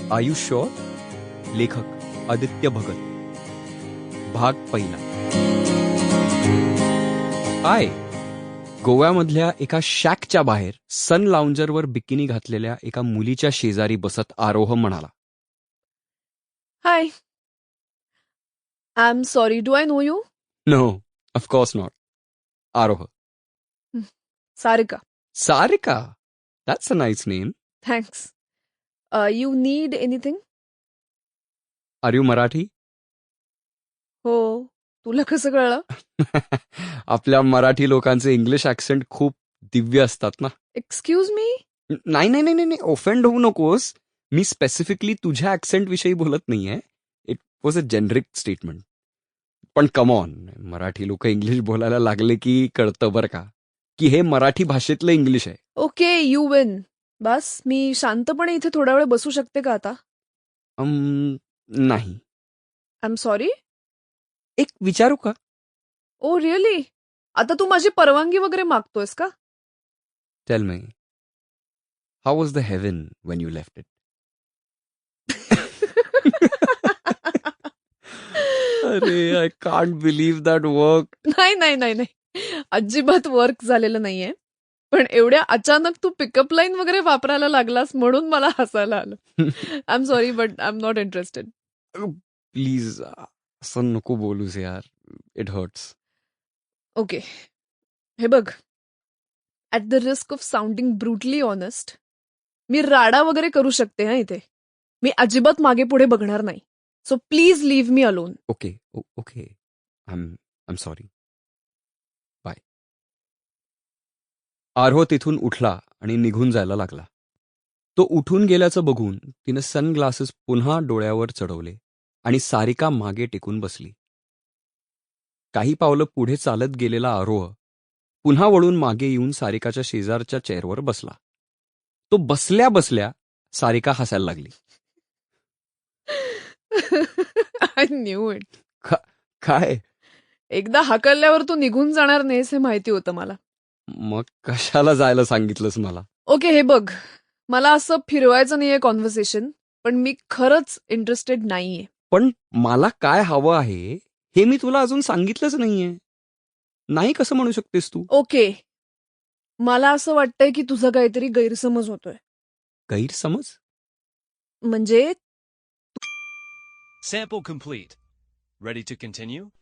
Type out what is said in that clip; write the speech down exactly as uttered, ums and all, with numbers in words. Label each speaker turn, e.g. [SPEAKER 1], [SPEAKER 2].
[SPEAKER 1] R you sure? लेखक आदित्य भगत. भाग पहिला. हाय. गोव्यामधल्या एका शॅकच्या बाहेर सन लाउंजरवर बिकिनी घातलेल्या एका मुलीच्या शेजारी बसत आरोह म्हणाला,
[SPEAKER 2] hi. I am sorry, do I know you?
[SPEAKER 1] No, of course not. Aroh.
[SPEAKER 2] Sarika.
[SPEAKER 1] Sarika? That's a nice name.
[SPEAKER 2] Thanks. You need anything?
[SPEAKER 1] Are you Marathi?
[SPEAKER 2] हो. तुला कसं कळलं?
[SPEAKER 1] आपल्या मराठी लोकांचे इंग्लिश ॲक्सेंट खूप दिव्य असतात ना.
[SPEAKER 2] Excuse me?
[SPEAKER 1] नाही नाही नाही नाही ऑफेंड होऊ नकोस. मी स्पेसिफिकली तुझ्या ॲक्सेंट विषयी बोलत नाहीये. It was a generic statement. पण कम ऑन, मराठी लोक इंग्लिश बोलायला लागले की कळतं बरं का, की हे मराठी भाषेतलं इंग्लिश आहे.
[SPEAKER 2] Okay, you win. बस मी शांतपणे इथे थोडा वेळ बसू शकते का आता?
[SPEAKER 1] अम, नाही.
[SPEAKER 2] I am sorry.
[SPEAKER 1] एक विचारू का?
[SPEAKER 2] Oh really? आता तू माझी परवानगी वगैरे मागतोयस का?
[SPEAKER 1] Tell me, how was the heaven when you left it? अरे, I can't believe that work.
[SPEAKER 2] नाही नाही नाही नाही अजिबात वर्क झालेलं नाहीये. पण एवढ्या अचानक तू पिकअप लाईन वगैरे वापरायला लागलास म्हणून मला हसायला आलं. I am sorry but I am not interested.
[SPEAKER 1] Please असं नको बोलूस यार. It hurts.
[SPEAKER 2] ओके, हे बघ. At the risk of sounding brutally honest, मी राडा वगैरे करू शकते हा इथे. मी अजिबात मागे पुढे बघणार नाही. So please leave me alone.
[SPEAKER 1] Okay okay I am I am sorry. Bye. Aroh तिथून उठला आणि निघून जायला लागला. तो उठून गेल्याचं बघून तिनं सनग्लासेस पुन्हा डोळ्यावर चढवले आणि सारिका मागे टेकून बसली. काही पावलं पुढे चालत गेलेला आरोह पुन्हा वळून मागे येऊन सारिकाच्या शेजारच्या चेअरवर बसला. तो बसल्या बसल्या सारिका हसायला लागली.
[SPEAKER 2] I knew it.
[SPEAKER 1] काय?
[SPEAKER 2] एकदा हाकलल्यावर तू निघून जाणार नाहीस हे माहिती होतं मला.
[SPEAKER 1] मग कशाला जायला सांगितलंस मला?
[SPEAKER 2] ओके, हे बघ. मला असं फिरवायचं नाहीये कॉन्व्हर्सेशन, पण मी खरंच इंटरेस्टेड नाहीये.
[SPEAKER 1] पण मला काय हवं आहे हे मी तुला अजून सांगितलंच नाहीये. नाही कसं म्हणू शकतेस तू?
[SPEAKER 2] ओके, मला असं वाटतंय की तुझा काहीतरी गैरसमज होतोय.
[SPEAKER 1] गैरसमज?
[SPEAKER 2] म्हणजे
[SPEAKER 3] Sample complete. Ready to continue?